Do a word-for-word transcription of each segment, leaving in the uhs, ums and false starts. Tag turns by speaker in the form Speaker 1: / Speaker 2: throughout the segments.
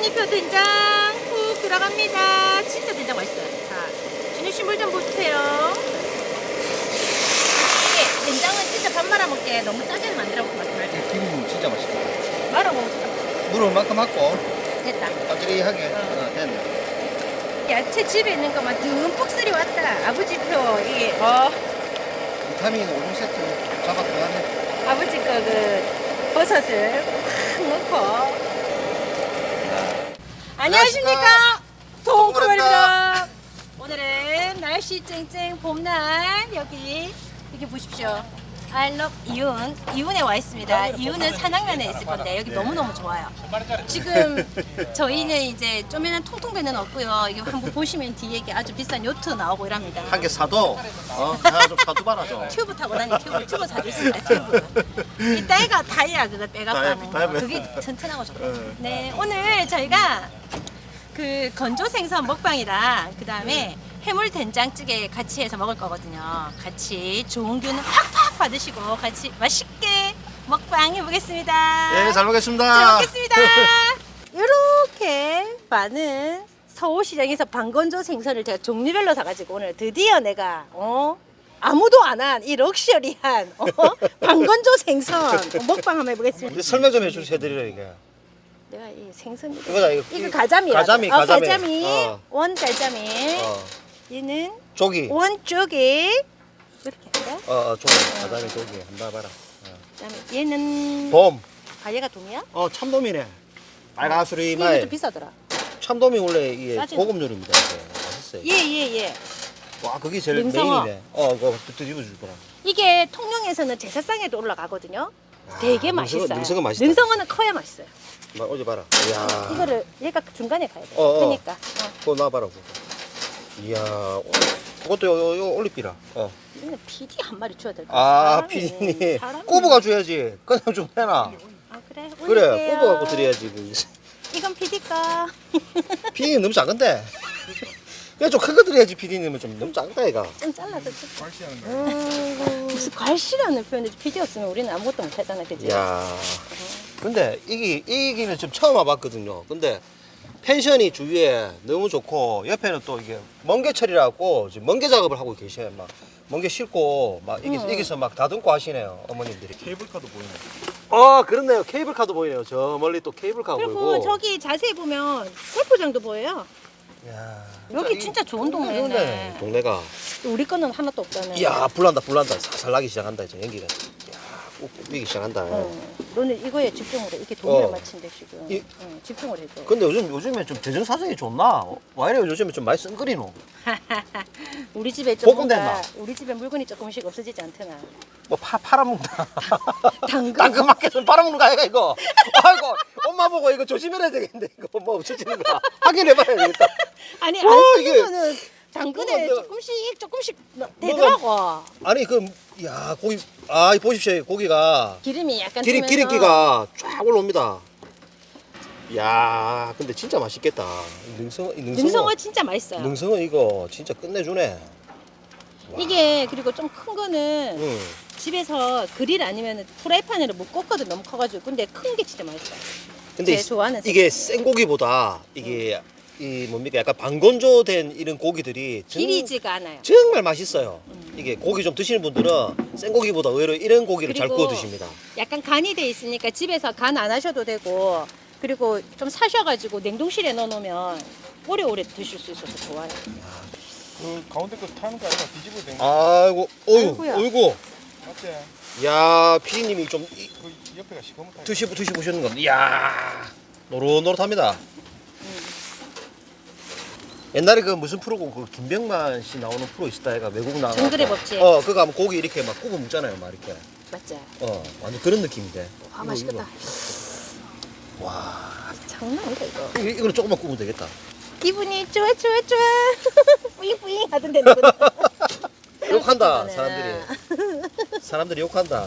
Speaker 1: 할머니표 된장 푹 들어갑니다. 진짜 된장 맛있어요. 자, 준유씨 물 좀 부으세요. 이게 된장은 진짜 밥 말아 먹게 너무 짜게 만들어 먹고 맛이 말죠.
Speaker 2: 김 진짜 맛있다.
Speaker 1: 말아 먹을까?
Speaker 2: 물을 만큼 하고
Speaker 1: 됐다.
Speaker 2: 까지리하게
Speaker 1: 어.
Speaker 2: 어, 됐네.
Speaker 1: 야채 집에 있는 것만 듬뿍 쓸이 왔다. 아버지 표 이게 어
Speaker 2: 비타민 오 종 세트 잡아 들어가네.
Speaker 1: 아버지 거 그 버섯을 확 넣고. 안녕하십니까, 동구입니다. 오늘은 날씨 쨍쨍 봄날 여기 이렇게 보십시오. I love 이윤 이윤에 와 있습니다. 이윤은 산악면에 있을 건데 여기 너무너무 좋아요. 지금 저희는 이제 쪼매난 통통배는 없고요. 이게 한번 보시면 뒤에 이게 아주 비싼 요트 나오고 이랍니다.
Speaker 2: 한 개 사도 어, 하나 좀 사도 봐라 좀.
Speaker 1: 튜브 타고 다니 튜브 튜브 사줄 수 있다. 튜브. 이 따위가 타이야 그거 빼갖고
Speaker 2: 타이어,
Speaker 1: 하는
Speaker 2: 타이어.
Speaker 1: 거. 그게 튼튼하고 좋고.
Speaker 2: 어.
Speaker 1: 네, 오늘 저희가 그 건조 생선 먹방이랑 그 다음에 해물 된장찌개 같이 해서 먹을 거거든요. 같이 좋은 균 팍팍 받으시고 같이 맛있게 먹방 해보겠습니다.
Speaker 2: 예, 잘 먹겠습니다.
Speaker 1: 잘 먹겠습니다. 이렇게 많은 서울시장에서 방건조 생선을 제가 종류별로 사가지고 오늘 드디어 내가 어 아무도 안 한 이 럭셔리한 어? 방건조 생선 먹방 한번 해보겠습니다.
Speaker 2: 이제 설명 좀 해주세요, 해드리려 이게.
Speaker 1: 내가 이 생선
Speaker 2: 이거다 이거.
Speaker 1: 이거 가자미야.
Speaker 2: 가자미,
Speaker 1: 어,
Speaker 2: 가자미.
Speaker 1: 가자미.
Speaker 2: 어.
Speaker 1: 원 가자미.
Speaker 2: 어,
Speaker 1: 얘는
Speaker 2: 조기.
Speaker 1: 원 쪽에 이렇게 할까?
Speaker 2: 어, 어, 조기. 가자미 조기. 한번 봐라. 어.
Speaker 1: 그다음에 얘는
Speaker 2: 돔.
Speaker 1: 아 얘가 돔이야?
Speaker 2: 어, 참돔이네. 빨가수리
Speaker 1: 이게
Speaker 2: 말.
Speaker 1: 좀 비싸더라.
Speaker 2: 참돔이 원래 이게
Speaker 1: 싸지?
Speaker 2: 고급 요리입니다. 이게. 맛있어요.
Speaker 1: 예 예, 예.
Speaker 2: 와, 그게 제일
Speaker 1: 능성어.
Speaker 2: 메인이네. 어, 그거 뒤집어 줄 거라.
Speaker 1: 이게 통영에서는 제사상에도 올라가거든요. 되게
Speaker 2: 아, 능성어,
Speaker 1: 맛있어요.
Speaker 2: 능성어 맛있다.
Speaker 1: 능성어는 커야 맛있어요.
Speaker 2: 막 어제 봐라. 이야.
Speaker 1: 이거를 얘가 중간에 가야 돼.
Speaker 2: 어, 어.
Speaker 1: 그러니까. 어.
Speaker 2: 그거 놔봐라. 그거. 이야. 어, 그것도 요, 요, 요 올리비라. 어.
Speaker 1: 이거는 피디 한 마리 줘야 될 것
Speaker 2: 아,
Speaker 1: 같아.
Speaker 2: 피디님.
Speaker 1: 사람이.
Speaker 2: 꼽아가 줘야지. 그냥 좀 해놔.
Speaker 1: 아 그래.
Speaker 2: 그래,
Speaker 1: 올릴게요.
Speaker 2: 꼽아갖고 드려야지. 그.
Speaker 1: 이건 피디 거.
Speaker 2: 피디님 너무 작은데. 그냥 좀 큰 거 드려야지, 피디님은 좀 너무 작다, 얘가.
Speaker 1: 좀 잘라서 좀. 음, 무슨 괄시라는 표현을 피디였으면 우리는 아무것도 못하잖아, 그지?
Speaker 2: 이야. 근데 이게, 이기는 지금 처음 와봤거든요. 근데 펜션이 주위에 너무 좋고, 옆에는 또 이게 멍게철이라고 지금 멍게 작업을 하고 계셔요. 막 멍게 싣고, 막 여기,
Speaker 1: 음.
Speaker 2: 여기서 막 다듬고 하시네요, 어머님들이.
Speaker 3: 케이블카도 보이네.
Speaker 2: 아, 그렇네요. 케이블카도 보이네요. 저 멀리 또 케이블카가
Speaker 1: 그리고
Speaker 2: 보이고.
Speaker 1: 저기 자세히 보면 세포장도 보여요.
Speaker 2: 이야.
Speaker 1: 여기
Speaker 2: 이-
Speaker 1: 진짜 좋은
Speaker 2: 좋네,
Speaker 1: 동네네.
Speaker 2: 동네가.
Speaker 1: 우리 거는 하나도 없잖아요.
Speaker 2: 이야, 불난다, 불난다. 살살 나기 시작한다, 이제 연기가. 이야, 욱욱이기 시작한다.
Speaker 1: 어, 너는 이거에 집중을 해. 이게 돈을
Speaker 2: 어.
Speaker 1: 맞춘대 지금.
Speaker 2: 이-
Speaker 1: 응, 집중을 해줘.
Speaker 2: 근데 요즘, 요즘에 좀 재정 사정이 좋나? 와, 이래 요즘에 좀 많이 쓴거리노?
Speaker 1: 우리 집에 좀
Speaker 2: 볶음
Speaker 1: 뭔가
Speaker 2: 된다.
Speaker 1: 우리 집에 물건이 조금씩 없어지지 않더나.
Speaker 2: 뭐, 파, 팔아먹는다.
Speaker 1: 당근.
Speaker 2: 당근마켓은 팔아먹는 거 아이가, 이거? 아이고, 엄마 보고 이거 조심해야 되겠는데, 이거 뭐 없어지는 거. 확인해봐야 되겠다.
Speaker 1: 아니
Speaker 2: 와,
Speaker 1: 안
Speaker 2: 이게-
Speaker 1: 쓰면은 당근에
Speaker 2: 뭐가
Speaker 1: 조금씩 조금씩 되더라고.
Speaker 2: 아니, 그, 야, 고기, 아, 보십시오. 고기가.
Speaker 1: 기름이 약간
Speaker 2: 기름,
Speaker 1: 뜨면서
Speaker 2: 기름기가 쫙 올라옵니다. 야, 근데 진짜 맛있겠다. 이 능성어, 이 능성어.
Speaker 1: 능성어 진짜 맛있어요.
Speaker 2: 능성어 이거 진짜 끝내주네. 와.
Speaker 1: 이게 그리고 좀 큰 거는
Speaker 2: 응.
Speaker 1: 집에서 그릴 아니면 프라이팬으로 못 굽거든 너무 커가지고. 근데 큰 게 진짜 맛있어요.
Speaker 2: 근데
Speaker 1: 제 좋아하는
Speaker 2: 이게 생고기보다 이게 이 뭡니까 약간 방건조된 이런 고기들이 정,
Speaker 1: 기리지가 않아요.
Speaker 2: 정말 맛있어요. 이게 고기 좀 드시는 분들은 생고기보다 오히려 이런 고기를 잘
Speaker 1: 그리고
Speaker 2: 구워 드십니다.
Speaker 1: 약간 간이 돼 있으니까 집에서 간 안 하셔도 되고, 그리고 좀 사셔가지고 냉동실에 넣어놓으면 오래오래 드실 수 있어서 좋아요.
Speaker 3: 그 가운데 거 타는 거 아니야? 뒤집어야 되는 거
Speaker 2: 아이고, 어유,
Speaker 1: 아이고야.
Speaker 2: 어이구.
Speaker 3: 맞지?
Speaker 2: 야, 피디님이 좀 이-
Speaker 3: 그 옆에가 시커멓다.
Speaker 2: 드시고 드시보시는 건데, 이야, 노릇노릇합니다. 옛날에 그 무슨 프로고 그 김병만 씨 나오는 프로 있었다 애가 외국 나가.
Speaker 1: 정글의 법칙.
Speaker 2: 어, 그거 하면 고기 이렇게 막 구워 먹잖아요, 막 이렇게.
Speaker 1: 맞지?
Speaker 2: 어, 완전 그런 느낌인데.
Speaker 1: 와
Speaker 2: 이거,
Speaker 1: 맛있겠다.
Speaker 2: 이거. 와,
Speaker 1: 장난 아니다 이거.
Speaker 2: 이- 이거는 조금만 구우면 되겠다.
Speaker 1: 기분이 좋아 좋아 좋아. 뿌잉뿌잉 하던데 누구?
Speaker 2: 욕한다 사람들이. 사람들이 욕한다.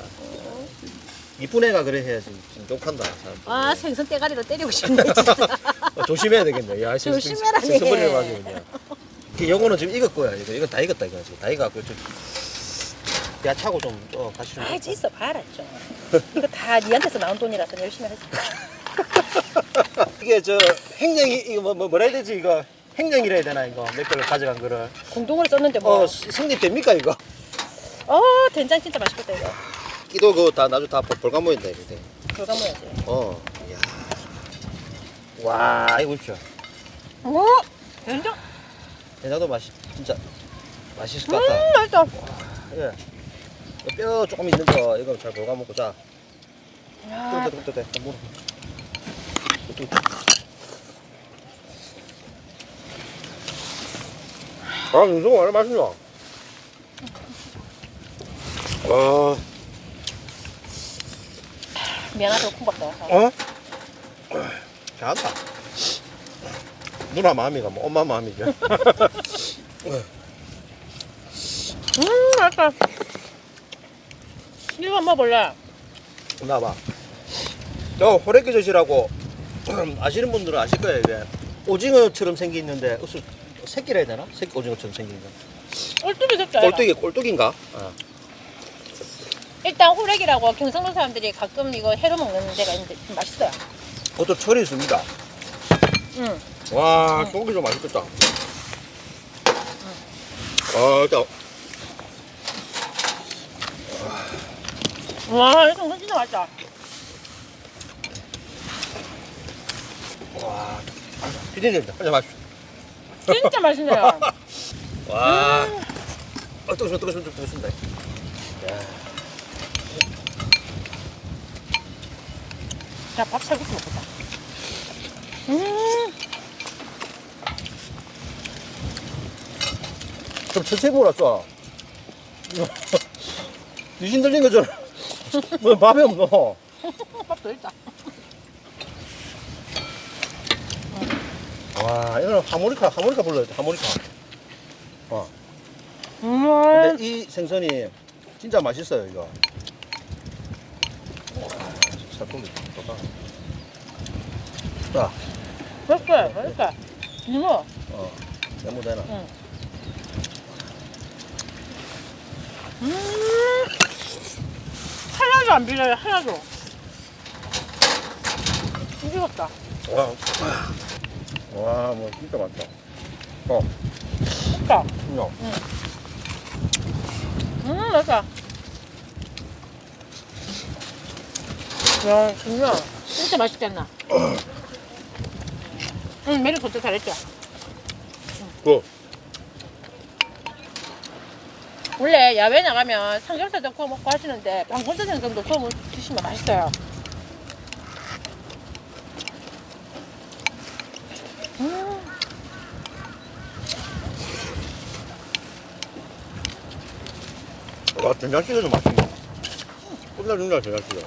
Speaker 2: 이쁜 애가 그래 해야지. 욕한다 사람들.
Speaker 1: 아 생선 대가리로 때리고 싶네 진짜.
Speaker 2: 어, 조심해야 되겠네. 야,
Speaker 1: 조심해라니.
Speaker 2: 생선버리를 맞으면 그냥. 그 요거는 지금 익을 거야. 이거 이건 다 익었다 이거 지금 다 익었고 좀 야차고 좀 어, 같이 좀.
Speaker 1: 알지 있어 봐라 좀. 이거 다 니한테서 나온 돈이라서 열심히 하지.
Speaker 2: 이게 저 행령이 이거 뭐, 뭐 뭐라 해야 되지 이거 행령이라 해야 되나 이거 몇 개를 가져간 거를.
Speaker 1: 공동으로 썼는데 뭐.
Speaker 2: 어 성립됩니까 이거?
Speaker 1: 어, 된장 진짜 맛있겠다 이거.
Speaker 2: 끼도 그거 다 나중에 다 볼감모인다 이거.
Speaker 1: 돌가 모야지.
Speaker 2: 어. 이야. 와 이거 보십시오.
Speaker 1: 오, 된장.
Speaker 2: 된장도 맛이 진짜 맛있을 것
Speaker 1: 음,
Speaker 2: 같다.
Speaker 1: 맛있다.
Speaker 2: 예. 뼈 조금 있는 거 이거 잘 볼감먹고 자.
Speaker 1: 야,
Speaker 2: 또 돼, 또 돼, 또 물어. 아, 윤성아, 얼마나 맛있냐? 와,
Speaker 1: 미안하다 콩밥다.
Speaker 2: 어? 잘한다. 누나 마음이가 뭐 엄마 마음이죠.
Speaker 1: 음, 맛있다. 이거 한번 먹어볼래?
Speaker 2: 나봐. 저 호래끼젓이라고 아시는 분들은 아실 거예요. 이게 오징어처럼 생기는데 무슨 새끼라 해야 되나? 새끼 오징어처럼 생긴 거.
Speaker 1: 꼴뚜기 색깔.
Speaker 2: 꼴뚜기, 꼴뚜기인가? 어.
Speaker 1: 일단 호래기라고 경상도 사람들이 가끔 이거 회로 먹는 데가 있는데 좀 맛있어요.
Speaker 2: 그것도 철이 있습니다.
Speaker 1: 응.
Speaker 2: 와, 고기 좀 맛있겠다. 아, 일단
Speaker 1: 와, 이거 진짜 맛있다.
Speaker 2: 와, 피디님 한잔 마십시오.
Speaker 1: 진짜 맛있네요.
Speaker 2: 와, 아, 뜨거워, 뜨거워, 뜨거워, 뜨겁습니다.
Speaker 1: 자, 밥 살국수 먹겠다. 음,
Speaker 2: 좀 천천히 먹었어. 귀신 들린 거잖아. 뭐 밥이 없어.
Speaker 1: 밥도 있다.
Speaker 2: 와, 이거는 하모니카, 하모니카 불러야 돼, 하모니카. 어.
Speaker 1: 음,
Speaker 2: 근데 이 생선이 진짜 맛있어요, 이거. 살코기 좋다. 자,
Speaker 1: 맛있어, 맛있어. 이모.
Speaker 2: 어, 너무 되나?
Speaker 1: 응. 음, 하나도 안 비려요, 하나도. 힘들었다.
Speaker 2: 와, 와, 뭐 진짜 맛있다. 어,
Speaker 1: 좋다.
Speaker 2: 그냥.
Speaker 1: 음, 맛있다. 야, 진짜, 진짜 맛있겠나? 응, 메뉴 도착 잘했죠?
Speaker 2: 그,
Speaker 1: 원래 야외 나가면 삼겹살도 구워 먹고 하시는데 방건조 생선도 구워 드시면 맛있어요. 음,
Speaker 2: 와, 된장찌개도 맛있네. 끝내준다, 된장찌개.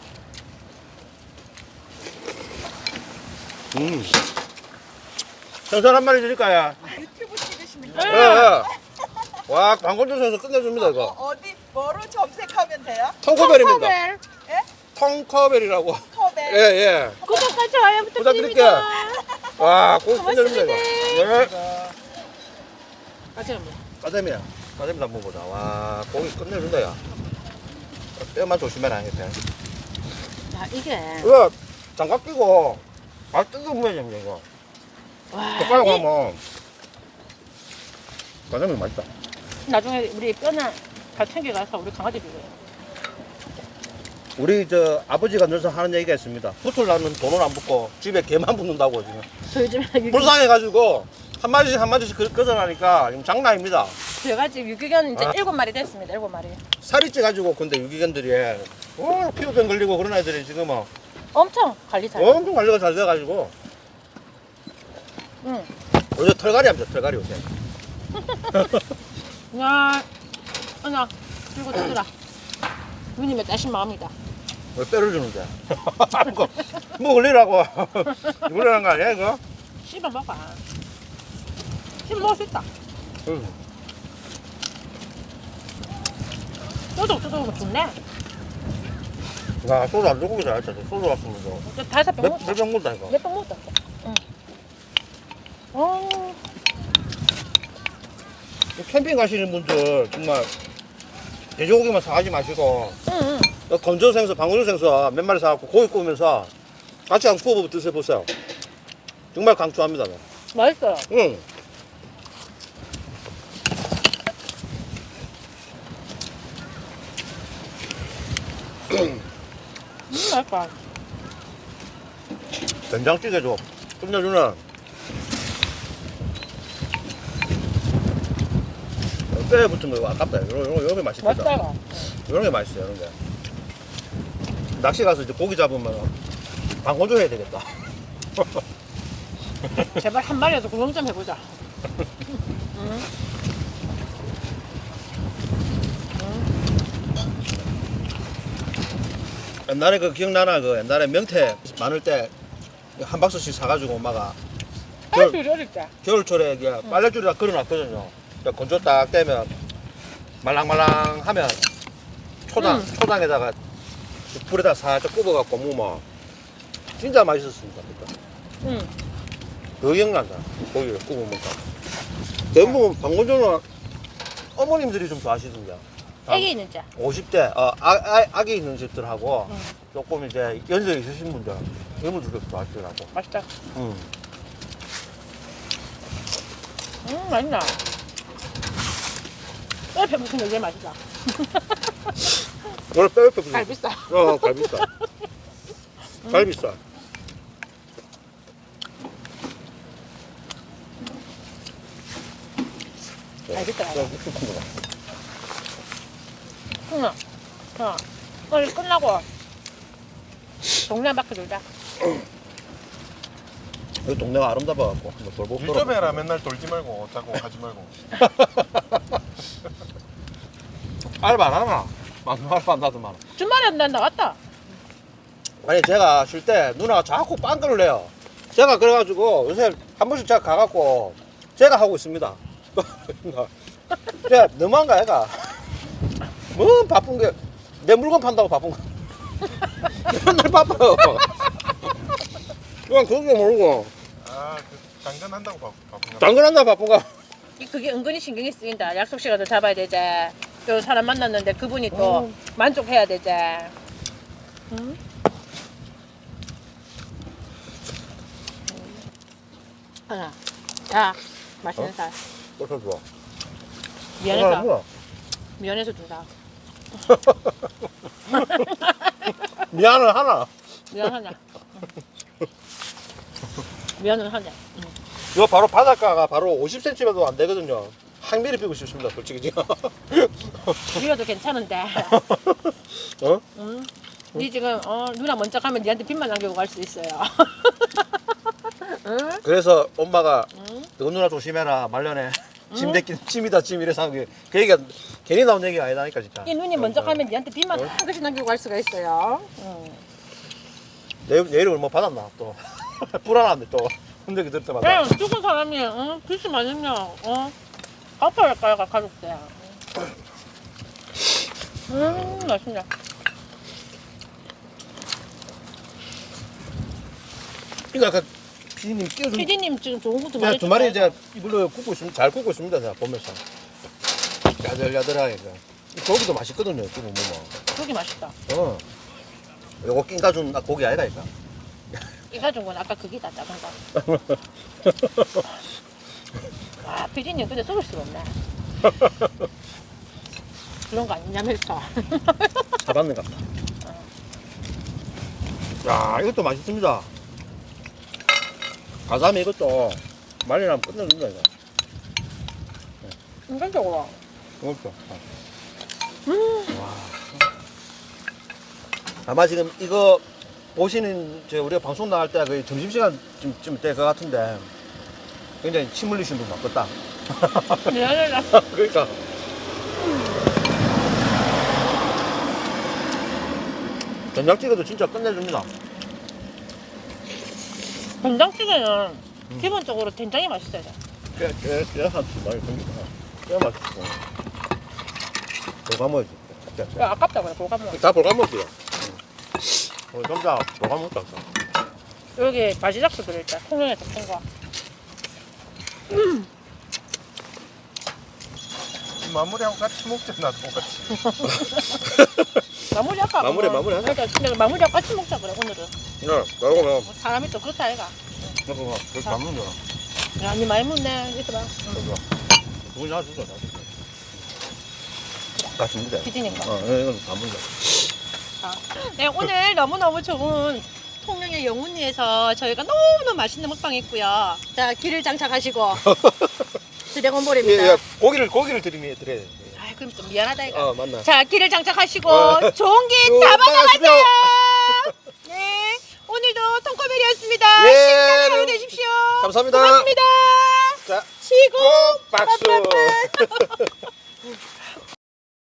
Speaker 2: 음. 생선 한 마리 드릴까요?
Speaker 4: 유튜브 찍으시면
Speaker 2: 예, 예. 와, 광고주 생선 끝내줍니다,
Speaker 4: 어,
Speaker 2: 이거.
Speaker 4: 어디 뭐로 검색하면 돼요?
Speaker 2: 통커벨입니다.
Speaker 1: 콩커벨.
Speaker 4: 예?
Speaker 2: 통커벨이라고.
Speaker 4: 컵에
Speaker 2: 예, 예.
Speaker 1: 구독과 좋아요
Speaker 2: 부탁드릴게요.
Speaker 1: 부탁드립니다.
Speaker 2: 와, 고기 끝내줍니다, 이거. 네.
Speaker 1: 아직 뭐.
Speaker 2: 까데미야. 까데미도 한번 보자. 와, 고기 끝내준다, 야. 뼈만 조심해라, 이렇게.
Speaker 1: 야, 이게
Speaker 2: 이거 장갑 끼고, 아, 뜯어보면 됩니다, 이거.
Speaker 1: 와,
Speaker 2: 젓가락
Speaker 1: 이-
Speaker 2: 하면. 까데미 맛있다.
Speaker 1: 나중에 우리 뼈나 다 챙겨가서 우리 강아지 비벼요.
Speaker 2: 우리 저 아버지가 늘상 하는 얘기가 있습니다. 붙으려면 돈을 안 붙고 집에 개만 붙는다고 지금.
Speaker 1: 저희 집에 유기,
Speaker 2: 불쌍해가지고 한 마리씩 한 마리씩 그- 걷어나니까 지금 장난 아닙니다.
Speaker 1: 제가 지금 유기견 이제
Speaker 2: 아.
Speaker 1: 일곱 마리 됐습니다. 일곱 마리.
Speaker 2: 살이 쪄가지고 근데 유기견들이 어, 피부병 걸리고 그런 애들이 지금은
Speaker 1: 엄청 관리 잘.
Speaker 2: 엄청 관리가 잘 돼가지고
Speaker 1: 응.
Speaker 2: 요새 털갈이 합니다. 털갈이 요새.
Speaker 1: 야, 하나 들고 뜯으라. 누님의 따신 마음이다.
Speaker 2: 왜 뼈를 주는데? 이거 뭐 걸리라고 이걸리라는 거 아니야 이거?
Speaker 1: 씹어 먹어. 씹어 먹을 수 있다.
Speaker 2: 응.
Speaker 1: 쪼독쪼독 좋네.
Speaker 2: 나 소주 안 들고 잘했다. 소주 왔으면 저
Speaker 1: 저 다섯 병 먹었다.
Speaker 2: 몇병 먹다 이거.
Speaker 1: 몇 병 먹었다. 응. 어,
Speaker 2: 캠핑 가시는 분들 정말 돼지고기만 사가지 마시고
Speaker 1: 응, 응.
Speaker 2: 건조 생선, 방울조 생선 몇 마리 사갖고 고기 구우면서 같이 한번 구워 드셔보세요. 정말 강추합니다. 네.
Speaker 1: 맛있어요.
Speaker 2: 응.
Speaker 1: 음, 맛있다.
Speaker 2: 된장찌개도 끝내주네. 뼈에 붙은 거 아깝다. 요런, 요런, 요런 게 맛있겠다.
Speaker 1: 맛있다.
Speaker 2: 요런 게 맛있어요, 요런 게. 낚시 가서 이제 고기 잡으면 방건조 해야 되겠다.
Speaker 1: 제발 한 마리라도 구경 좀 해보자. 응?
Speaker 2: 옛날에 그 기억나나? 그 옛날에 명태 많을 때 한 박스씩 사가지고 엄마가 겨울,
Speaker 1: 아이고, 어릴 때.
Speaker 2: 겨울철에 이게 빨래줄에다 걸어놨거든요. 그러니까 건조 딱 되면 말랑말랑하면 초당,
Speaker 1: 음.
Speaker 2: 초당에다가 불에다 살짝 굽어갖고 먹으면 진짜 맛있었습니다. 그때.
Speaker 1: 응.
Speaker 2: 그 기억난다. 고기를 구워 먹다. 대부분 방건조는 어머님들이 좀 좋아하시던데.
Speaker 1: 애기 있는 자.
Speaker 2: 오십 대 어, 아, 아, 아기 있는 집들하고
Speaker 1: 응.
Speaker 2: 조금 이제 연세 있으신 분들 이분들도 좋아하시더라고.
Speaker 1: 맛있다.
Speaker 2: 응.
Speaker 1: 음, 맛있나? 옆에 무슨 게 제일 맛있다.
Speaker 2: 원래 뼈 옆에
Speaker 1: 갈비살.
Speaker 2: 어, 갈비살. 갈비살.
Speaker 1: 갈비살 알아.
Speaker 2: 좀 푹 큰 거다.
Speaker 1: 응. 자, 오늘 끝나고 동네 한 바퀴 돌자.
Speaker 2: 여기 동네가 아름다워갖고 한번 돌고
Speaker 3: 일 점 해라. 맨날 돌지 말고 자꾸 하지 말고.
Speaker 2: 알바 안 하나? 맞는 알바 안 나더만.
Speaker 1: 주말에 난 나왔다.
Speaker 2: 아니 제가 쉴 때 누나가 자꾸 빵꾸를 내요. 제가 그래가지고 요새 한 번씩 제가 가갖고 제가 하고 있습니다. 제가 너무한가 얘가. 뭐 바쁜 게 내 물건 판다고 바쁜 거. 맨날 바빠요. 그냥 그게 모르고
Speaker 3: 아, 그 당근한다고 바- 바쁜가?
Speaker 2: 당근한다 바쁜가.
Speaker 1: 이- 그게 은근히 신경이 쓰인다. 약속 시간도 잡아야 되지. 또 사람 만났는데 그분이 또
Speaker 2: 어.
Speaker 1: 만족해야 되지. 응? 하나. 자, 맛있는
Speaker 2: 어?
Speaker 1: 살.
Speaker 2: 어서 좋아.
Speaker 1: 미안해서.
Speaker 2: 뭐야?
Speaker 1: 미안해서 준다.
Speaker 2: 미안을 하나.
Speaker 1: 미안하냐. 미안은 하냐. 응.
Speaker 2: 이거 바로 바닷가가 바로 오십 센티미터도 안 되거든요. 항미리 피고 싶습니다, 솔직히 지금.
Speaker 1: 미워도 괜찮은데.
Speaker 2: 어?
Speaker 1: 응? 니 지금 어, 누나 먼저 가면 니한테 빚만 남기고 갈 수 있어요. 응?
Speaker 2: 그래서 엄마가
Speaker 1: 응?
Speaker 2: 너 누나 조심해라 말년에 짐 대낀 짐이다 짐 이래서 한 게 그 얘기가 괜히 나온 얘기가 아니다니까 진짜.
Speaker 1: 이 누님 먼저
Speaker 2: 어,
Speaker 1: 가면 니한테 빚만 한 그릇 남기고 갈 수가 있어요. 응.
Speaker 2: 내, 내 이름을 뭐 받았나 또 불안한데 또 흔들기 들 때마다.
Speaker 1: 야, 죽은 사람이 어? 빚이 많으면 어? 갚아야 할까요, 가족들. 음, 맛있네.
Speaker 2: 그러니까 그 피디님 끼워준.
Speaker 1: 피디님 지금 좋은 것도
Speaker 2: 제가
Speaker 1: 많이
Speaker 2: 두 마리
Speaker 1: 줬어요.
Speaker 2: 제가 이걸로 굽고 있습니다. 잘 굽고 있습니다. 제가 보면서 야들야들하게. 그. 고기도 맛있거든요. 지금 뭐.
Speaker 1: 고기 맛있다.
Speaker 2: 어. 요거 낀 가준 고기 아이가 이까.
Speaker 1: 이 가진 건 아까 그게 다 작은 거. 아, 피디님 근데 속을 수가 없네. 그런 거 아니냐면서.
Speaker 2: 잡았는 것 같다. 야, 이것도 맛있습니다. 가자미 이것도 말리라면 끝내준다, 이거.
Speaker 1: 인간적으로.
Speaker 2: 이것도. 음. 와. 아마 지금 이거 보시는 저 우리가 방송 나갈 때 거의 점심시간 좀 될 것 같은데 굉장히 침 흘리시는 분 많겠다.
Speaker 1: 미안해라.
Speaker 2: 그러니까. 된장찌개도 진짜 끝내줍니다.
Speaker 1: 된장찌개는 기본적으로 된장이 맛있어야 돼.
Speaker 2: 깨, 깨, 깨, 한, 많이 생기다. 깨 맛있고. 볼감 먹지. 깨, 깨.
Speaker 1: 야, 아깝다 그래, 고가 먹어.
Speaker 2: 다 볼감 먹지요. 어, 점자 볼감 먹자.
Speaker 1: 여기 바지락도 들어있다. 통영에서 푼 거.
Speaker 3: 마무리하고 같이 먹잖아, 똑같이.
Speaker 1: 마무리 할까?
Speaker 2: 마무리,
Speaker 1: 그러면?
Speaker 2: 마무리 하자.
Speaker 1: 그러니까 내가 마무리하고 같이 먹자 그래, 오늘은.
Speaker 2: 네, 그러면
Speaker 1: 뭐 사람이 또 그렇다, 아이가. 응.
Speaker 3: 잠깐만, 그렇게 안 먹는 거야.
Speaker 1: 아니 많이 먹네. 이거 봐.
Speaker 3: 저거. 누구 나 주자, 나 주자.
Speaker 2: 같이 먹자.
Speaker 1: 비지니까.
Speaker 2: 어, 이건 안 먹자.
Speaker 1: 네, 오늘 너무너무 좋은 통영의 영훈리에서 저희가 너무너무 맛있는 먹방 했고요. 자, 길을 장착하시고 드래곤볼입니다.
Speaker 2: 예, 예, 고기를 고기를 드리면 드려야 돼.
Speaker 1: 아, 그럼 좀 미안하다 이거.
Speaker 2: 어, 맞나?
Speaker 1: 자, 길을 장착하시고
Speaker 2: 어.
Speaker 1: 좋은 길
Speaker 2: 쭉
Speaker 1: 다 받아가세요.
Speaker 2: 받아가세요.
Speaker 1: 네, 오늘도 통커벨이었습니다.
Speaker 2: 예,
Speaker 1: 신나는 하루 되십시오.
Speaker 2: 감사합니다.
Speaker 1: 고맙습니다.
Speaker 2: 자,
Speaker 1: 시고
Speaker 2: 박수.
Speaker 1: 빠빠빠.